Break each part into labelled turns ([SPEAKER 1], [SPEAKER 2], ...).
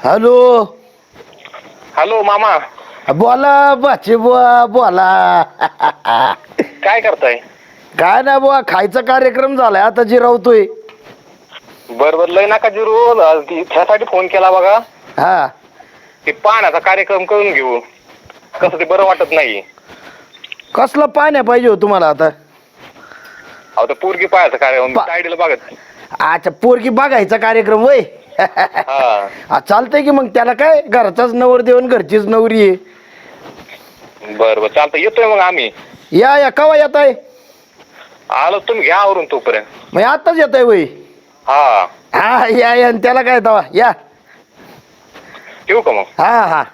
[SPEAKER 1] Hello.
[SPEAKER 2] Hello मामा.
[SPEAKER 1] बोला बाचे बुवा बोला.
[SPEAKER 2] काय करताय?
[SPEAKER 1] काय नाही बुवा, खायचा कार्यक्रम झालाय आता जिरावतोय.
[SPEAKER 2] बर बर, लय नका जिरू, ह्यासाठी फोन केला बघा.
[SPEAKER 1] हा.
[SPEAKER 2] ते पाण्याचा कार्यक्रम करून घेऊ, कसं ते बरं वाटत नाही.
[SPEAKER 1] कसलं पाण्या पाहिजे हो तुम्हाला आता?
[SPEAKER 2] अहो ते पोरगी पाहायचा कार्यक्रम तायडीला बघत.
[SPEAKER 1] अच्छा, पोरगी बघायचा कार्यक्रम होय.
[SPEAKER 2] हा
[SPEAKER 1] चालतंय की मग, त्याला काय घरचाच नवरदेव आणि घरचीच नवरी आहे.
[SPEAKER 2] बर बर चालतंय, येतोय मग आम्ही.
[SPEAKER 1] या कवा येत आहे?
[SPEAKER 2] आलो, तुम्ही घ्या आवरून तोपर्यंत.
[SPEAKER 1] मग आताच येत आहे वय?
[SPEAKER 2] हा
[SPEAKER 1] हा या आणि त्याला काय तवा या.
[SPEAKER 2] ठेवू का मग?
[SPEAKER 1] हा हा.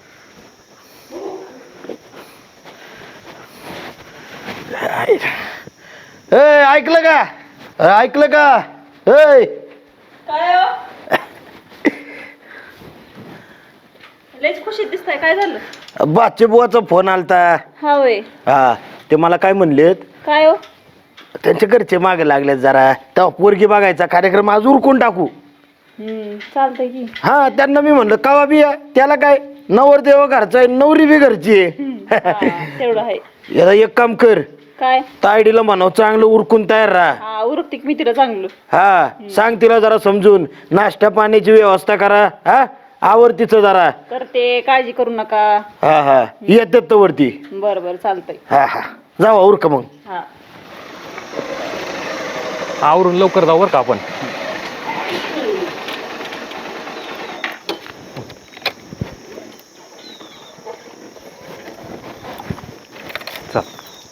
[SPEAKER 1] ऐकलं का? ऐकलं का?
[SPEAKER 3] काय हो? लयच खुशीत दिसताय, काय झालं?
[SPEAKER 1] बाचे बुवाचा फोन आलता.
[SPEAKER 3] हा होय.
[SPEAKER 1] हा, ते मला काय म्हणलेत,
[SPEAKER 3] काय हो?
[SPEAKER 1] त्यांच्या घरचे मागे लागलेत जरा, तेव्हा पोरगी बघायचा कार्यक्रम आज उरकून टाकू.
[SPEAKER 3] चालतंय की.
[SPEAKER 1] हा, त्यांना मी म्हणलं कवा बी या, त्याला काय नवरदेव घरचा आहे, नवरी बी घरची आहे.
[SPEAKER 3] तेवढं आहे.
[SPEAKER 1] याला एक काम कर,
[SPEAKER 3] काय?
[SPEAKER 1] तायडीला म्हणाव चांगलं उरकून तयार राहा.
[SPEAKER 3] हा, उरकते की मी तिला चांगलं.
[SPEAKER 1] हा, सांग तिला जरा समजून, नाश्ता पाण्याची व्यवस्था करा. हा, आवर तिचं जरा.
[SPEAKER 3] करते, काळजी करू नका.
[SPEAKER 1] हा हा, येतात तर वरती.
[SPEAKER 3] बरं बरं चालतंय.
[SPEAKER 1] हा हा, जावा उरका मग.
[SPEAKER 3] हा.
[SPEAKER 4] आवरून लवकर जाऊ बरं का आपण. चल.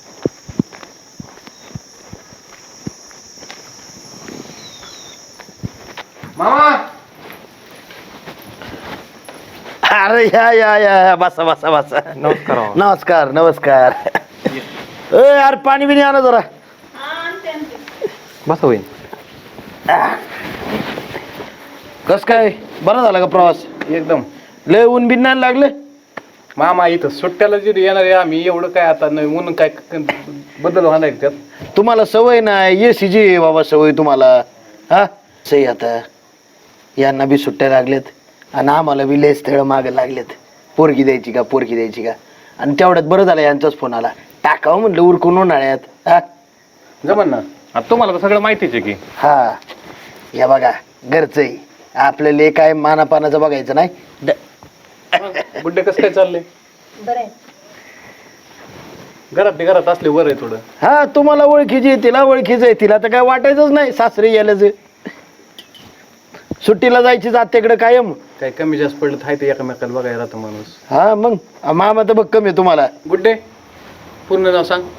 [SPEAKER 2] मामा.
[SPEAKER 1] अरे या बसा बसा बसा.
[SPEAKER 4] नमस्कार.
[SPEAKER 1] नमस्कार नमस्कार. अरे पाणी बिणी आणा जरा.
[SPEAKER 4] बस होईल.
[SPEAKER 1] कस काय, बरं झालं का प्रवास?
[SPEAKER 5] एकदम.
[SPEAKER 1] लय ऊन बिन नाही लागलं?
[SPEAKER 5] मामा इथं सुट्ट्याला जिथे येणार आहे आम्ही, एवढं काय आता नाही म्हणून काय बदल होणार त्यात.
[SPEAKER 1] तुम्हाला सवय नाही, एसीची बाबा सवय तुम्हाला. हा, सही आता यांना बी सुट्ट्या लागल्यात आणि आम्हाला बी लय स्थळ मागे लागलेत. पोरगी द्यायची का पोरगी द्यायची का, आणि तेवढ्यात बरं झालं यांचाच फोन आला. टाकावं म्हणलं उरकून उन्हाळ्यात. हा
[SPEAKER 5] जमन ना.
[SPEAKER 4] आता तुम्हाला तर सगळं माहितीच आहे की.
[SPEAKER 1] हा, या बघा घरचं आहे आपल्याला, काय मानापानाचं बघायचं नाही.
[SPEAKER 5] बुड्डे कसं काय चाललंय?
[SPEAKER 3] बरं आहे.
[SPEAKER 5] घरात असले बरं आहे थोडं.
[SPEAKER 1] हा, तुम्हाला ओळखीची आहे, तिला ओळखीचं आहे. तिला तर काय वाटायचंच नाही सासरी यायलाच. सुट्टीला जायची जात्याकडे कायम.
[SPEAKER 5] काय कमी जास्त पडलं थाय ते एकामेकाला बघायला राहतो माणूस.
[SPEAKER 1] हा मग, मामा तर बघ कमी आहे तुम्हाला.
[SPEAKER 5] गुड्डे पूर्ण नाव सांग.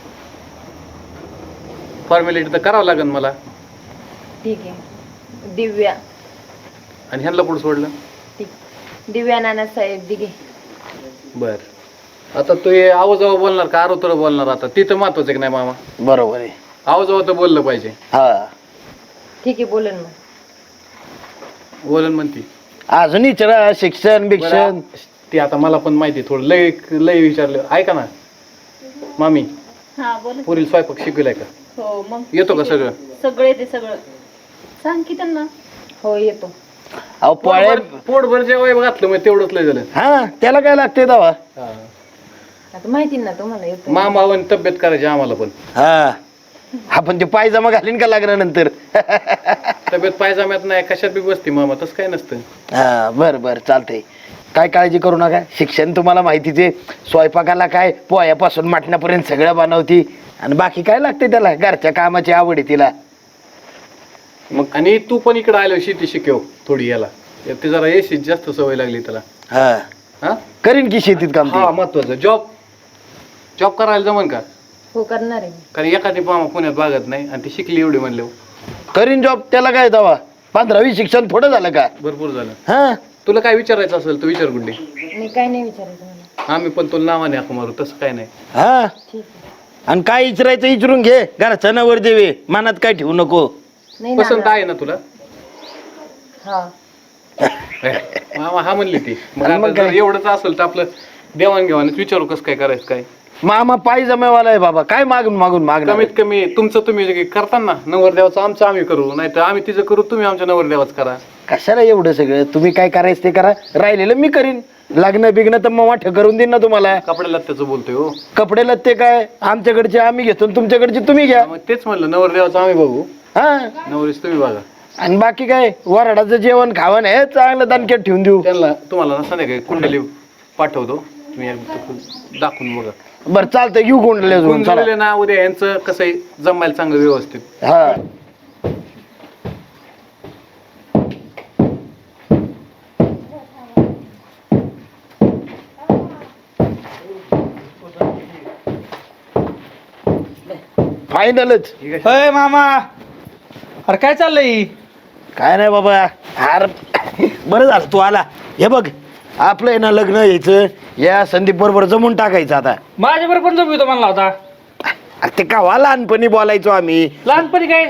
[SPEAKER 5] फॉर्मॅलिटी तर करावं लागेल मला.
[SPEAKER 6] ठीक आहे. दिव्या.
[SPEAKER 5] आणि ह्यांना पुढे सोडलं.
[SPEAKER 6] ठीक. दिव्या नानासाहेब दिघे.
[SPEAKER 5] बर. आता तू हे आवाजावर बोलणार का आरोतर बोलणार? आता तिथं महत्वाचं की नाही मामा?
[SPEAKER 1] बरोबर आहे.
[SPEAKER 5] आवाजावर तर बोललं पाहिजे.
[SPEAKER 1] हा,
[SPEAKER 6] ठीक आहे, बोलन मग.
[SPEAKER 5] बोलन म्हणती.
[SPEAKER 1] अजून विचारा शिक्षण बिक्षण.
[SPEAKER 5] ते आता मला पण माहिती थोडं लय लय विचारलं. ऐका ना मामी,
[SPEAKER 3] हा बोल.
[SPEAKER 5] पुरील स्वयंपाक शिकलाय का?
[SPEAKER 3] हो मग.
[SPEAKER 5] येतो का सगळं?
[SPEAKER 3] सगळे ते सगळं सांग की त्यांना.
[SPEAKER 6] हो येतो.
[SPEAKER 1] अहो पोळ्या.
[SPEAKER 5] पोटभर जेवाय घातलं मग तेवढंच लय झालं.
[SPEAKER 1] हा, त्याला काय लागते दावा.
[SPEAKER 6] आता माहिती ना तुम्हाला, येतो.
[SPEAKER 5] मामा आणि तब्येत करायची आम्हाला पण.
[SPEAKER 1] हा, आपण ते पायजमा घालीन का लागल्यानंतर?
[SPEAKER 5] तब्येत पायजाम्यात नाही कशात बी बसते मामा, तसं काय नसतं.
[SPEAKER 1] हा, बरं बरं चालतंय. काय काळजी करू नका, शिक्षण तुम्हाला माहितीच आहे. स्वयंपाकाला काय पोह्यापासून मटणापर्यंत सगळं बनवती, आणि बाकी काय लागते त्याला, घरच्या कामाची आवड आहे तिला.
[SPEAKER 5] मग आणि तू पण इकडे आलो शेती शिकव थोडी. याला ते जरा एसी जास्त सवय लागली त्याला.
[SPEAKER 1] हा,
[SPEAKER 5] हा
[SPEAKER 1] करीन की शेतीत काम
[SPEAKER 5] हा,
[SPEAKER 1] ते.
[SPEAKER 5] महत्वाचं. जॉब करायला जमन का?
[SPEAKER 6] हो करणार आहे.
[SPEAKER 5] कारण एखादी मामा पुण्यात बागत नाही आणि ती शिकली एवढी म्हणले.
[SPEAKER 1] करीन जॉब, त्याला काय दावा. 15वी शिक्षण थोडं झालं का?
[SPEAKER 5] भरपूर झालं.
[SPEAKER 1] हा,
[SPEAKER 5] तुला काय विचारायचं असेल तू विचार गुड्डे.
[SPEAKER 6] मी काय नाही विचारायचं मला.
[SPEAKER 5] आम्ही पण तुला नावाने हाक मारू, तसं काय नाही.
[SPEAKER 1] हा,
[SPEAKER 6] ठीक आहे.
[SPEAKER 1] आणि काय विचारायचं विचारून घे. घरचा नवर देवे, मनात काय ठेवू नको.
[SPEAKER 6] नाही
[SPEAKER 5] पसंत
[SPEAKER 6] ना.
[SPEAKER 5] आहे ना तुला?
[SPEAKER 6] हा.
[SPEAKER 5] मामा हा म्हणली ती. मग
[SPEAKER 1] आणि मग
[SPEAKER 5] आता जर
[SPEAKER 1] काय?
[SPEAKER 5] एवढंच असेल तर आपलं देवाणघेवाणच विचारू कसं काय करायचं काय.
[SPEAKER 1] मामा पायी जमेवाला आहे बाबा, काय मागून मागून मागणार.
[SPEAKER 5] कमीत कमी तुमचं तुम्ही जे करताना नवरदेवाचं आमचं आम्ही करू, नाही तर आम्ही तिचं करू, तुम्ही आमच्या नवरदेवाच करा.
[SPEAKER 1] कशाला एवढं सगळं, तुम्ही काय करायचं ते करा, राहिलेलं मी करीन. लग्न बिग्न तर मग वाटं करून देईन ना तुम्हाला.
[SPEAKER 5] कपडे लत्त्याचं बोलतोय हो.
[SPEAKER 1] कपडे लत्ते काय आमच्याकडचे आम्ही घेतो आणि तुमच्याकडचे तुम्ही घ्या.
[SPEAKER 5] मग तेच म्हणलं, नवरदेवाचं आम्ही बघू,
[SPEAKER 1] हा,
[SPEAKER 5] नवरीच तुम्ही बघा.
[SPEAKER 1] आणि बाकी काय वराडाचं जेवण खावण हे चांगलं दानक्यात ठेवून देऊ.
[SPEAKER 5] त्यांना तुम्हाला संध्याकाळी कुंडली पाठवतो, तुम्ही एकदा दाखवून बघा.
[SPEAKER 1] बरं चालतंय, घेऊ कोंडले अजून चला.
[SPEAKER 5] गुंजवलेलं ना उद्या यांचं कसं आहे जमायला चांगलं व्यवस्थित.
[SPEAKER 1] हा फायनलच.
[SPEAKER 7] अय मामा, अरे काय चाललंय?
[SPEAKER 1] काय नाही बाबा, अरे बरं झालं तू आला. हे बघ आपलं आहे ना लग्न यायचं, या संदीप बरोबर जमून टाकायचं आता.
[SPEAKER 7] माझ्या बरोबर पण जमवितो म्हणला होता.
[SPEAKER 1] अरे ते कावा लहानपणी बोलायचो आम्ही.
[SPEAKER 7] लहानपणी काय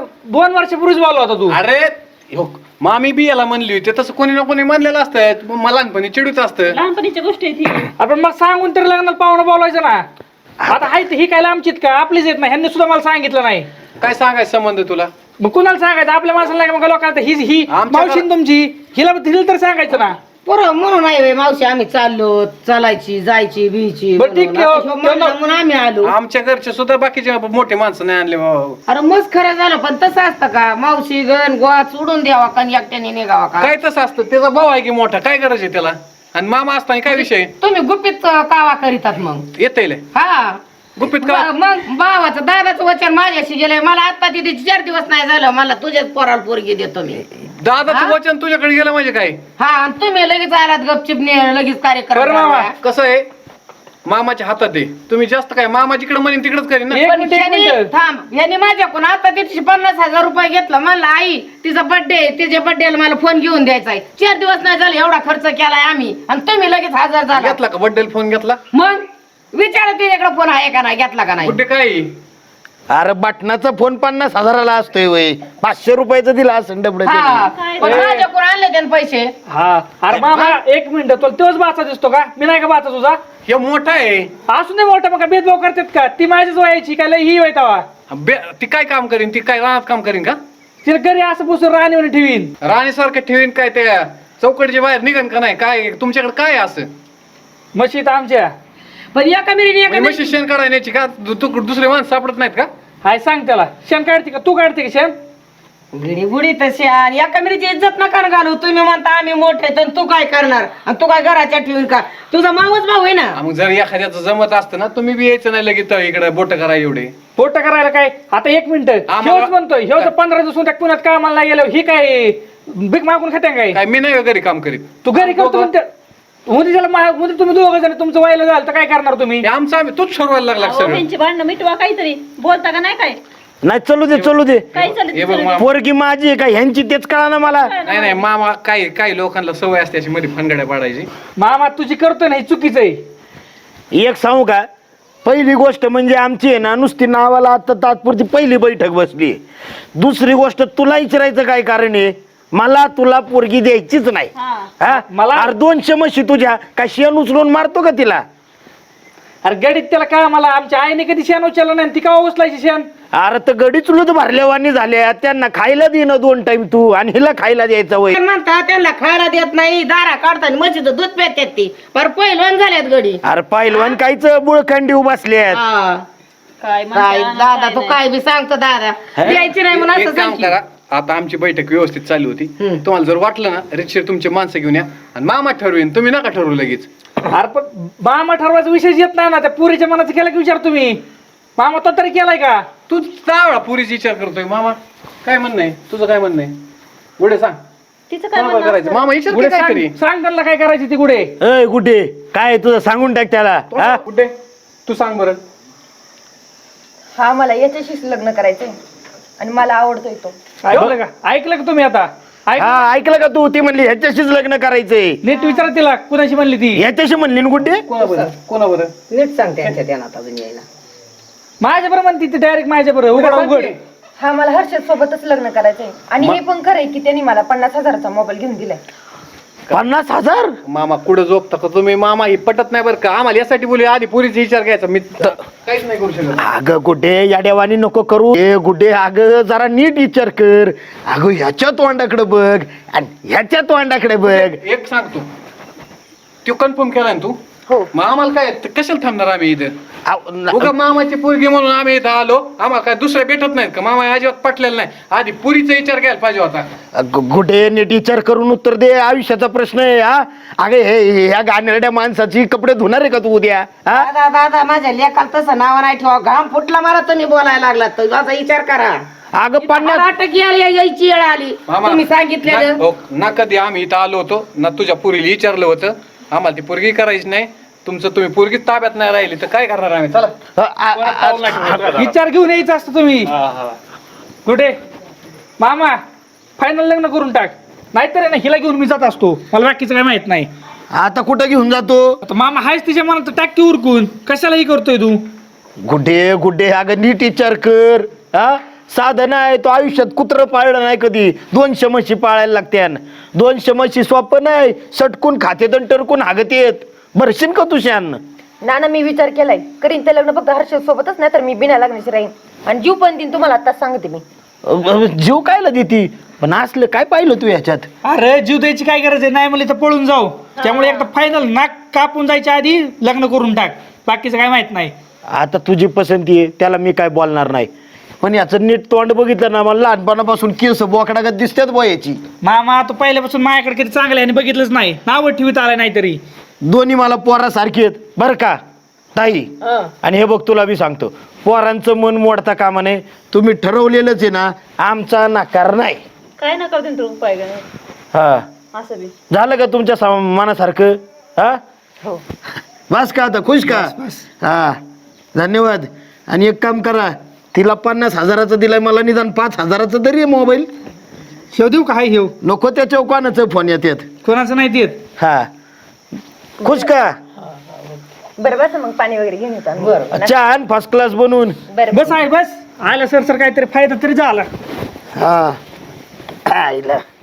[SPEAKER 7] 2 वर्षापूर्वीच बोलला होता तू.
[SPEAKER 5] अरे हो, मामी बी याला म्हणली होती, तसं कोणी ना कोणी म्हणलेलं असतं, मला लहानपणी चिडूच असतं.
[SPEAKER 3] लहानपणीच्या गोष्टी आहेत ही.
[SPEAKER 7] आपण मग सांगून तरी लग्नात पाहुणं बोलायचं ना. आता हाय ही काय आमचीत का आपलीच येत नाही, ह्यांनी सुद्धा मला सांगितलं नाही.
[SPEAKER 5] काय सांगायचं संबंध तुला?
[SPEAKER 7] मग कुणाला सांगायचं? आपल्या माणसाला नाही का? मग लोकांना ही
[SPEAKER 5] आमच्या
[SPEAKER 7] मावशीन तुमची, हिला तर सांगायचं ना.
[SPEAKER 8] बरं म्हणून नाही बाई, मावशी आम्ही चाललो, चालायची जायची बियची
[SPEAKER 7] बरं, ठीक आहे.
[SPEAKER 8] म्हणून आम्ही आलो.
[SPEAKER 5] आमच्या घरचे सुद्धा बाकीचे मोठे माणसं नाही आणले बाबा.
[SPEAKER 8] अरे मस्त खरं झालं, पण तसं असतं का? मावशी गण गोवा सोडून द्यावा का आणि एकट्याने निघावा का?
[SPEAKER 5] काय तसं असतं, त्याचा भाऊ आहे की मोठा, काय गरज आहे त्याला? आणि मामा असताना काय विषय?
[SPEAKER 8] तुम्ही गुपित कावा करीतात मग?
[SPEAKER 5] येते
[SPEAKER 8] हा
[SPEAKER 5] गुपित का?
[SPEAKER 8] मग भावाचं दादाचं वचन माझ्याशी गेलंय. मला आता तिथे 4 दिवस नाही झालं, मला तुझ्याच पोराला पोरगी देतो मी.
[SPEAKER 5] दादाचं वचन तुझ्याकडे गेलं म्हणजे काय?
[SPEAKER 8] हा, आणि तुम्ही लगेच आलात गपचिप लगेच
[SPEAKER 7] बरं
[SPEAKER 8] कार्यक्रम.
[SPEAKER 7] मामा.
[SPEAKER 5] कसं आहे, मामाच्या हातात आहे. तुम्ही जास्त काय मामा जिकडे म्हणेन तिकडेच करेन ना.
[SPEAKER 7] एक मिनिट.
[SPEAKER 8] थांब, यांनी माझ्याकडून आता तिथे 50,000 रुपये घेतला. म्हणलं आई तिचा बर्थडे, तिच्या बर्थडेला मला फोन घेऊन द्यायचा आहे. 4 दिवस नाही झाले एवढा खर्च केलाय आम्ही, आणि तुम्ही लगेच 1000 झाला.
[SPEAKER 5] घेतला का बड्डेला फोन घेतला?
[SPEAKER 8] मग विचारा तिच्याकडे फोन आहे का नाही, घेतला का नाही?
[SPEAKER 5] कुठे काय?
[SPEAKER 1] अरे बटनाचा फोन 50,000ला असतोय वय, 500 रुपयाचा दिला असं डबड.
[SPEAKER 8] हा, पण माझ्याकडून आणले त्याने पैसे.
[SPEAKER 7] हा, अरे मामा एक मिनिट, तुला तोच बाचा दिसतो का? मी नाही का बाचा तुझा?
[SPEAKER 5] हे मोठा आहे.
[SPEAKER 7] असून नाही मोठा, मग काय भेदभाव करतात का? ती माझ्याच वयाची काय लय ही वैतावा.
[SPEAKER 5] ती काय काम करीन? ती काय रानात काम करीन का?
[SPEAKER 7] तिला घरी असं बसून राणीवर ठेवीन.
[SPEAKER 5] राणीसारखं ठेवीन काय? त्या चौकटीच्या बाहेर निघन का नाही? काय तुमच्याकडे काय आहे असं?
[SPEAKER 7] मशीत आमच्या
[SPEAKER 8] पण एका मिरीने
[SPEAKER 5] म्हशी शेण काढायची का? दुसरे माणसं सापडत नाहीत का?
[SPEAKER 7] हाय सांग त्याला, शेण काढते का? तू काढते का शेण?
[SPEAKER 8] घडी गुडी तशी, आणि एका मिरीची इज्जत नका घालू. तुम्ही म्हणता आम्ही मोठे, तर तू काय करणार? आणि तू काय घराच्या ठेवून का? तुझा मावच भाऊ आहे ना.
[SPEAKER 5] मग जर एखाद्याचं जमत असतं ना, तुम्ही बी यायचं नाही लगेच इकडे बोट करा एवढे.
[SPEAKER 7] पोट करायला काय? आता एक मिनिट, ह्योच म्हणतोय, ह्यो जर 15 दिवस त्या पुण्यात कामाला नाही गेलो, ही काय भीक मागून खाते काय?
[SPEAKER 5] काय मी नाही घरी काम करीत.
[SPEAKER 7] तू घरी करतो म्हणते, म्हणजे त्याला म्हणजे तुम्ही दोघं जण तुमचं व्हायला झालं तर काय करणार तुम्ही?
[SPEAKER 5] हे आमचं आम्ही तूच ठरवायला लागला
[SPEAKER 3] अहो,
[SPEAKER 5] सगळं.
[SPEAKER 3] त्यांची भांडणं मिटवा काहीतरी, बोलता का नाही काय?
[SPEAKER 1] नाही चलू दे चलू दे.
[SPEAKER 3] काय
[SPEAKER 5] हे
[SPEAKER 3] चालत
[SPEAKER 5] बघ मामा.
[SPEAKER 1] पोरगी माझी आहे का ह्यांची तेच कळा ना मला.
[SPEAKER 5] नाही नाही मामा, काही लोकांना सवय असते अशी मध्ये फंगड्या पाडायची.
[SPEAKER 7] मामा तुझी करतोय ना, हे चुकीचं आहे.
[SPEAKER 1] एक सांगू का, पहिली गोष्ट म्हणजे आमची आहे ना नुसती नावाला आता तात्पुरती पहिली बैठक बसली. दुसरी गोष्ट, तुला विचारायचं काय कारण आहे? मला तुला पोरगी द्यायचीच नाही. हा,
[SPEAKER 7] मला-
[SPEAKER 1] अरे 200 म्हशी तुझ्या काय शेण उचलून मारतो का तिला?
[SPEAKER 7] अरे गडीत त्याला काय, मला आमच्या आईने कधी शेण उचललं नाही, ती का उचलायची शेण?
[SPEAKER 1] अरे तर गडी चुलत भरल्यावानी झाल्या, त्यांना खायला दे ना 2 टाइम तू, आणि हिला खायला द्यायचा वय.
[SPEAKER 8] म्हणता त्यांना खायला देत नाही, दारा काढताना म्हशीचं दूध पेतात ती, पर पहिलवान झाल्यात गडी.
[SPEAKER 1] अरे पहिलवान कायच बुळखंडी बसल्यात.
[SPEAKER 8] हा.
[SPEAKER 3] काय
[SPEAKER 8] काय दादा तू काय बी सांगतो दादा, द्यायची नाही म्हणून
[SPEAKER 5] एक
[SPEAKER 8] असं
[SPEAKER 5] काम
[SPEAKER 8] सांग की.
[SPEAKER 5] करा, आता आमची बैठक व्यवस्थित चालू होती. तुम्हाला जर वाटलं ना, रितशीर तुमचे माणसं घेऊन या आणि मामा ठरवेन, तुम्ही नका ठरवू लगेच.
[SPEAKER 7] अरे पण मामा ठरवायचा विषय येत नाही ना, त्या पुरीच्या मनाचं केला की विचार तुम्ही? मामा तो तरी केलाय का?
[SPEAKER 5] तू चावळा पुरीचा विचार करतोय. मामा काय म्हणणं आहे तुझं? काय म्हणणं आहे? पुढे सांग.
[SPEAKER 3] तिचं काय
[SPEAKER 5] कोणाला
[SPEAKER 3] म्हणणं
[SPEAKER 5] करायचं?
[SPEAKER 3] असतं?
[SPEAKER 5] मामा विचार
[SPEAKER 7] गुढे
[SPEAKER 5] काहीतरी.
[SPEAKER 7] सांग त्यांना काय करायची ती गुढे.
[SPEAKER 1] अय कुठे काय तुझं सांगून टाक त्याला. हा?
[SPEAKER 5] कुठे तू सांग बरं.
[SPEAKER 6] हा, मला याच्याशीच लग्न करायचंय आणि मला आवडतोय तो.
[SPEAKER 7] ऐकलं का? ऐकलं का तुम्ही आता?
[SPEAKER 1] हा ऐकलं का तू? ती म्हणली ह्याच्याशीच लग्न करायचंय.
[SPEAKER 7] नीट विचारा तिला, कुणाशी म्हणली ती?
[SPEAKER 1] ह्याच्याशी म्हणली ना कुठे?
[SPEAKER 5] कोणाबरोबर?
[SPEAKER 8] नीट सांग त्यांच्या ध्यानात अजून यायला.
[SPEAKER 7] माझ्या बरोबर म्हणती ती डायरेक्ट माझ्या बरोबर. उघड उघड.
[SPEAKER 6] हा, मला हर्षद सोबतच लग्न करायचंय. आणि हे पण खरंय की त्यांनी मला 50,000चा मोबाईल घेऊन दिलाय.
[SPEAKER 1] 50,000?
[SPEAKER 5] मामा कुठं झोपता का तुम्ही? मामा ही पटत नाही बरं का? आम्हाला यासाठी बोलू आधी पुरीचा विचार घ्यायचा. मी काहीच नाही करू शकत.
[SPEAKER 1] अगं गुड्डे या देवानी नको करू. ए गुड्डे अगं जरा नीट विचार कर. अगं ह्याच्या तोंडाकडे बघ आणि ह्याच्या तोंडाकडे बघ.
[SPEAKER 5] एक सांगतो, तो कन्फर्म केला ना तू?
[SPEAKER 6] हो.
[SPEAKER 5] मग आम्हाला काय कशाला थांबणार आम्ही इथं?
[SPEAKER 1] अहो,
[SPEAKER 5] उगा मामाची पोरगी म्हणून आम्ही इथं आलो. आम्हाला काय दुसऱ्या भेटत नाहीत का? मामा अजिबात पटलेला नाही. आधी पुरीचा विचार घ्यायला पाहिजे होता.
[SPEAKER 1] गुड्डे नीट विचार करून उत्तर दे. आयुष्याचा प्रश्न आहे हा. अगे हे ह्या गाणेरड्या माणसाची कपडे धुणार आहे का तू उद्या? हा
[SPEAKER 8] दादा दादा माझ्या लेकाला तसं नाव नाही ठेवा. घाम फुटला मला तुम्ही बोलायला लागला तर माझा विचार करा.
[SPEAKER 1] अगं 50
[SPEAKER 8] यायची वेळ आली
[SPEAKER 5] मामा,
[SPEAKER 8] तुम्ही सांगितलेलं.
[SPEAKER 5] ना कधी आम्ही इथं आलो होतो ना तुझ्या पुरीला विचारलं होतं. आम्हाला ती पोरगी करायची नाही. तुमचं तुम्ही पोरगी ताब्यात नाही राहिली तर काय करणार आम्ही? चला.
[SPEAKER 7] विचार घेऊन यायचं असतं तुम्ही. कुठे मामा फायनल लग्न करून टाक, नाहीतर आहे ना हिला घेऊन मी जात असतो. मला बाकीचं काय माहित नाही.
[SPEAKER 1] आता कुठं घेऊन जातो?
[SPEAKER 7] आता मामा हायच तिच्या मनात टाक की उरकून. कशालाही करतोय तू?
[SPEAKER 1] गुड्डे गुड्डे अगं नीट विचार कर. हा साधन आहे तो. आयुष्यात कुत्रं पाळलं नाही कधी. 200 म्हशी पाळायला लागत्यान. 200 म्हशी सोपं नाही. सटकून खातेत आणि टरकून हागत येत. भरशील का तुझ्यान?
[SPEAKER 6] नाना मी विचार केलाय, करीन ते लग्न फक्त हर्ष सोबतच, नाही तर मी बिना लग्नाची राहीन आणि जीव पण देईन. तुम्हाला आताच सांगते मी.
[SPEAKER 1] जीव कायला देती? पण असलं काय पाहिलं तू ह्याच्यात?
[SPEAKER 7] अरे जीव द्यायची काय गरज आहे? नाही म्हणले तर पळून जाऊ. त्यामुळे एकदा फायनल नाक कापून जायच्या आधी लग्न करून टाक. बाकीचं काय माहित नाही.
[SPEAKER 1] आता तुझी पसंती आहे त्याला मी काय बोलणार नाही. पण याचं नीट तोंड बघितलं ना, मला लहानपणापासून केस बोकडागत दिसतात याची.
[SPEAKER 7] मामा तो पहिल्यापासून माझ्याकडे किती चांगलं आहे आणि बघितलंच नाही. नावं ठेवीत आलं नाही तरी.
[SPEAKER 1] दोन्ही मला पोरासारखी आहेत बरं का ताई. आणि हे बघ तुला मी सांगतो, पोरांचं मन मोडता कामा नये. तुम्ही ठरवलेलंच आहे ना, आमचा नकार नाही.
[SPEAKER 3] काय नका देऊन तू उपाय का नाही?
[SPEAKER 1] हा
[SPEAKER 3] असं बी
[SPEAKER 1] झालं का तुमच्या मनासारखं? हा
[SPEAKER 6] हो.
[SPEAKER 1] बस का आता खुश का? हा धन्यवाद. आणि एक काम करा, तिला 50,000चा दिलाय, मला निदान 5,000चा तरी आहे मोबाईल.
[SPEAKER 7] शेव देऊ का? हाय हेव
[SPEAKER 1] नको त्याच्या कोणाचं फोन येतात.
[SPEAKER 7] कोणाचं नाही देत.
[SPEAKER 1] हा खुश का?
[SPEAKER 6] बरं बस मग पाणी वगैरे घेऊन येतो आम्ही.
[SPEAKER 1] छान फर्स्ट क्लास बनवून.
[SPEAKER 6] बरं
[SPEAKER 7] बस आहे बस. आयला सर काहीतरी फायदा तरी झाला.
[SPEAKER 1] हा आईला